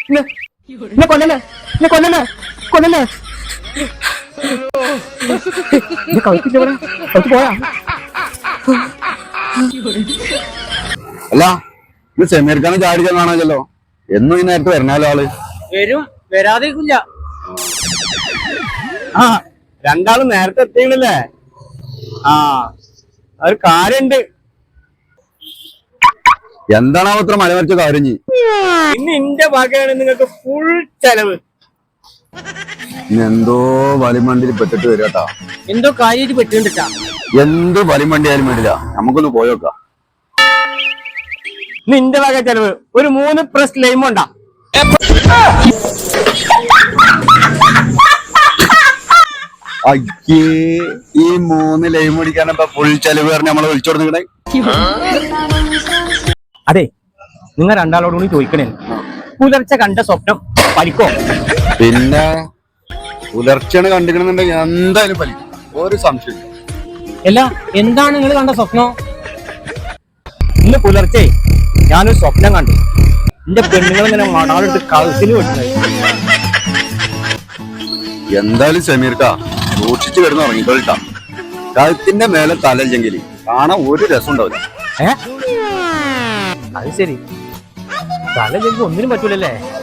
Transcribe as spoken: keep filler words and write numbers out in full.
എന്നെ കൊല്ലല്ലേ എന്നെ കൊല്ലല്ലേ കൊല്ലല്ലേ കളിച്ചിട്ട് കളിച്ച് പോയാ അല്ല ഇത് സെമീർക്കാണ് ചാടിച്ച കാണാമല്ലോ എന്നും ഈ നേരത്തെ വരണല്ലോ ആള് വരും വരാതിരിക്കില്ല. ആ രണ്ടാളും നേരത്തെ എത്തിയില്ലേ? ആ ഒരു കാര്യണ്ട്. എന്താണ് അത്ര മലമറിച്ച കാര്യം ചെയ് ഇന്ന് എന്റെ ഭാഗമാണ് നിങ്ങൾക്ക് ഫുൾ ചെലവ്. എന്തോ വലിമണ്ടിയിൽ പെട്ടിട്ട് വരാട്ടാ. എന്തോ കാര്യമായിട്ട് പെട്ടിട്ടാ. എന്ത് വലിമണ്ടി ആയാലും വേണ്ടില്ല, നമുക്കൊന്ന് പോയോക്കാം. നിന്റെ വക ചെലവ് ഒരു മൂന്ന് പ്രസ് ലൈം ഉണ്ടാ. അയ്യേ ഈ മൂന്ന് ലൈം അടിക്കാനപ്പ ഫുൾ ചെലവ് പറഞ്ഞ് നമ്മളെ വിളിച്ചോട് നിങ്ങളെ. അതെ, നിങ്ങൾ രണ്ടാളോട് കൂടി ചോദിക്കണേ, പുലർച്ചെ കണ്ട സ്വപ്നം പലിക്കോ? പിന്നെ പുലർച്ചെയാണ് കണ്ടിക്കണമെന്നുണ്ടെങ്കിൽ എന്തായാലും പലിക്കും, ഒരു സംശയം. അല്ല, എന്താണ് നിങ്ങൾ കണ്ട സ്വപ്നം? ഇന്ന് പുലർച്ചെ ഞാനൊരു സ്വപ്നം കണ്ടു. എന്റെ പെണ്ണുങ്ങൾ ഇങ്ങനെ മണാളിട്ട് കളത്തിന് വിട്ടത്. എന്തായാലും സമീർക്കാ സൂക്ഷിച്ചു കിടന്ന് ഉറങ്ങിക്കൊള്ളിട്ടാ. കഴുത്തിന്റെ മേലെ തലയില്ലെങ്കിൽ കാണാൻ ഒരു രസം ഉണ്ടാവില്ല. ഏ അത് ശരി, തല ഒന്നിനും പറ്റൂലല്ലേ?